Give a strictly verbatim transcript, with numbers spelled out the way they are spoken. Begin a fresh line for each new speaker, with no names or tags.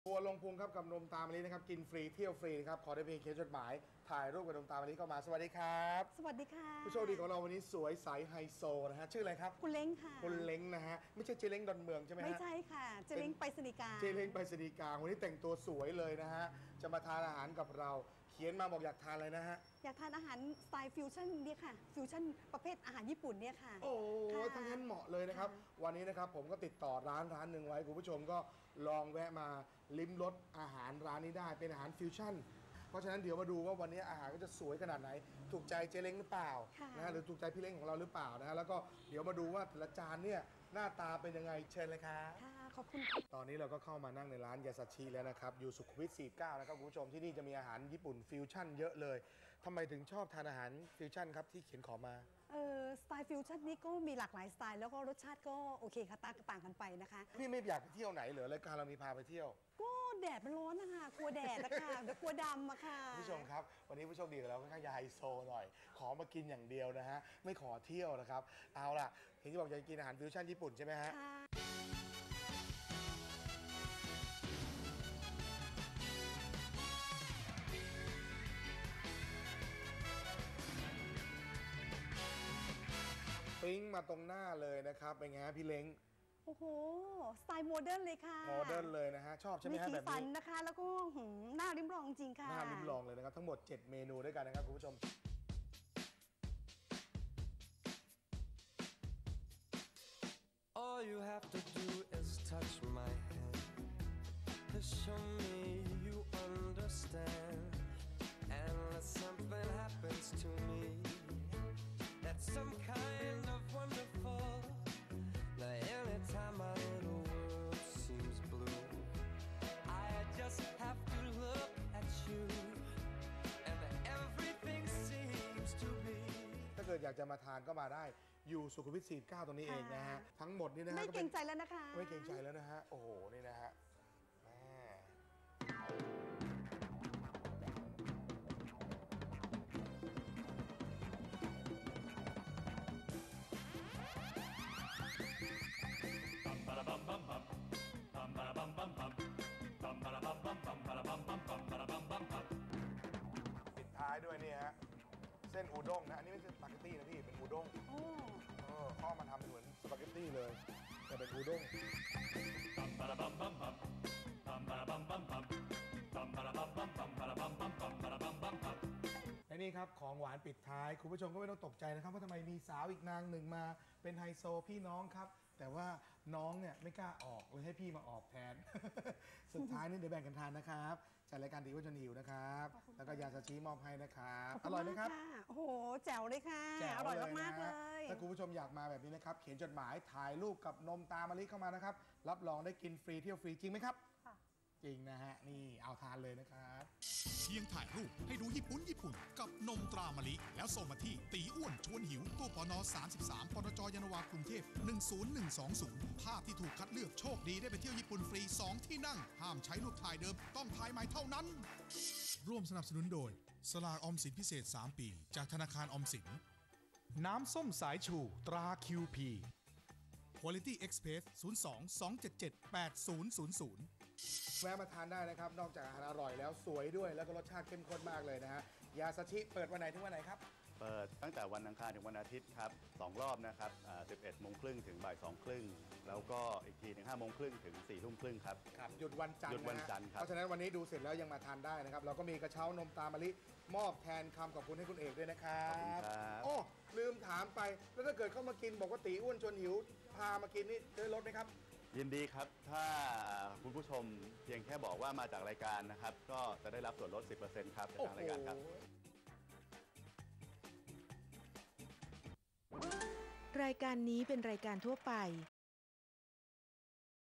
ทัวร์ลงพุงครับกับนมตามมะลินะครับกินฟรีเที่ยวฟรีนะครับขอได้เพียงเขียนจดหมายถ่ายรูปกับนมตามมะลิเข้ามาสวัสดีครับ
สวัสดีค่ะ
ผู้โชคดีของเราวันนี้สวยใสไฮโซนะฮะชื่ออะไรครับ
คุณเล้งค่ะ
คุณเล้งนะฮะไม่ใช่เจเล้งดอนเมืองใช่ไหมฮะ
ไม่ใช่ค่ะเจเล้งไปสนิกา
เจเล้งไปสนิกาวันนี้แต่งตัวสวยเลยนะฮะจะมาทานอาหารกับเราเขียนมาบอกอยากทานอะไรนะฮะ
อยากทานอาหารสไตล์ฟิวชั่นเนี่ยค่ะฟิวชั่นประเภทอาหารญี่ปุ่นเนี่ยค่ะ
โอ้ทั้งนั้นเหมาะเลยนะครับวันนี้นะครับผมก็ติดต่อร้านร้านหนึ่งไว้คุณผู้ชมก็ลองแวะมาลิ้มรสอาหารร้านนี้ได้เป็นอาหารฟิวชั่นเพราะฉะนั้นเดี๋ยวมาดูว่าวันนี้อาหารก็จะสวยขนาดไหนถูกใจเจเล้งหรือเปล่านะหรือถูกใจพี่เล้งของเราหรือเปล่านะฮะแล้วก็เดี๋ยวมาดูว่าแต่ละจานเนี่ยหน้าตาเป็นยังไงเชิญเลยครับ
ค่ะขอบคุณ
ตอนนี้เราก็เข้ามานั่งในร้านยาซาชิแล้วนะครับอยู่สุขุมวิทสี่สิบเก้านะครับคุณผู้ชมที่นี่จะมีอาหารญี่ปุ่นฟิวชั่นเยอะเลยทำไมถึงชอบทานอาหารฟิวชั่นครับที่เขียนขอมา
เออสไตล์ฟิวชั่นนี้ก็มีหลากหลายสไตล์แล้วก็รสชาติก็โอเคค่ะต่างกันไปนะคะ
พี่ไม่อยากไปเที่ยวไหนเหรอรายการเรามีพาไปเที่ยว
ก็แดดมันร้อนนะคะกลัวแดดนะคะเดี๋ยวกลัวดำอะค่ะ
ผู้ชมครับวันนี้ผู้โชคดีของเราค่อนข้างจะไฮโซหน่อยขอมากินอย่างเดียวนะฮะไม่ขอเที่ยวนะครับเอาล่ะเห็นที่บอกจะกินอาหารฟิวชั่นญี่ปุ่นใช่ไหมฮะปิ้งมาตรงหน้าเลยนะครับเป็นไงฮะพี่เล้ง
โอ้โหสไตล์โมเดิร์นเลยค่ะ
โมเดิร์นเลยนะฮะชอบใช่ไหมฮะแบบนี้มีสี
สันนะคะแล้วก็หน้าริมรองจริงค่ะ
หน้าริมรองเลยนะครับทั้งหมดเจ็ดเมนูด้วยกันนะครับคุณผู้ชม
All you have to do is touch my hand to show me you understand unless something happens to me that's some kind of wonderful now anytime my little world seems blue I just have to look at you and everything seems to be
ถ้าเกิดอยากจะมาทานก็มาได้อยู่สุขุมวิทสี่สิบเก้าตรงนี้เองนะฮะทั้งหมดนี่นะฮะ
ไม่เกรงใจแล้วนะคะ
ไม่เกรงใจแล้วนะฮะโอ้โหนี่นะฮะแม่ปิดท้ายด้วยนี่ฮะเส้นอูด้งนะอันนี้ไม่ใช่สปาเกตตี้นะพี่เป็นอูด้ง
โอ้
เออข้อมันทำเป็นเหมือนสปาเกตตี้เลยแต่เป็นอูด้งและนี่ครับของหวานปิดท้ายคุณผู้ชมก็ไม่ต้องตกใจนะครับว่าทำไมมีสาวอีกนางหนึ่งมาเป็นไฮโซพี่น้องครับแต่ว่าน้องเนี่ยไม่กล้าออกเลยให้พี่มาออกแทน สุดท้ายนี่เดี๋ยวแบ่งกันทานนะครับจัดรายการตีว่าจนหิวนะครับแล้วก็ยาซาชิมอบให้นะครับอร่อยไหมครับ
โอ้โหแจ๋วเลยค่ะอร่อยมากๆเลย
ถ้าคุณผู้ชมอยากมาแบบนี้นะครับเขียนจดหมายถ่ายรูปกับนมตามะลิเข้ามานะครับรับรองได้กินฟรีเที่ยวฟรีจริงไหมครับจริงนะฮะนี่เอาทานเลยนะครับ
เพียงถ่ายรูปให้ดูญี่ปุ่นญี่ปุ่นกับนมตรามะลิแล้วส่งมาที่ตีอ้วนชวนหิวตู้ปนสามสิบสามปนจยานนาวากรุงเทพหนึ่งศูนย์หนึ่งสองศูนย์ภาพที่ถูกคัดเลือกโชคดีได้ไปเที่ยวญี่ปุ่นฟรีสองที่นั่งห้ามใช้รูปถ่ายเดิมต้องถ่ายใหม่เท่านั้นร่วมสนับสนุนโดยสลากออมสินพิเศษสามปีจากธนาคารออมสินน้ำส้มสายชูตรา คิว พี Quality Express ศูนย์ สอง สอง เจ็ด เจ็ด แปด ศูนย์ ศูนย์ ศูนย์
แวะมาทานได้นะครับนอกจากอาหารอร่อยแล้วสวยด้วยแล้วก็รสชาติเข้มข้นมากเลยนะฮะยาซาชิเปิดวันไหนถึงวันไหนครับ
เปิดตั้งแต่วันอังคารถึงวันอาทิตย์ครับสองรอบนะครับสิบเอ็ดโมงครึ่งถึงบ่ายสองครึ่งแล้วก็อีกทีหนึ่งห้าโมงครึ่งถึงสี่ทุ่มครึ่งครับ
ครับหยุดวันจันทร์
หยุดวันจันทร์ครับ
เพราะฉะนั้นวันนี้ดูเสร็จแล้วยังมาทานได้นะครับเราก็มีกระเช้านมตามะลิมอบแทนคำขอบคุณให้คุณเอกด้วยนะครับโอ้ลืมถามไปแล้วถ้าเกิดเข้ามากินบอกว่าตีอ้วนชวนหิวพามากินนี่ได้ลดไหมครับ
ยินดีครับถ้าคุณผู้ชมเพียงแค่บอกว่ามาจากรายการนะครับก็จะได้รับส่วนลด สิบเปอร์เซ็นต์ ครับจากทางรายการครับ
รายการนี้เป็นรายการทั่วไป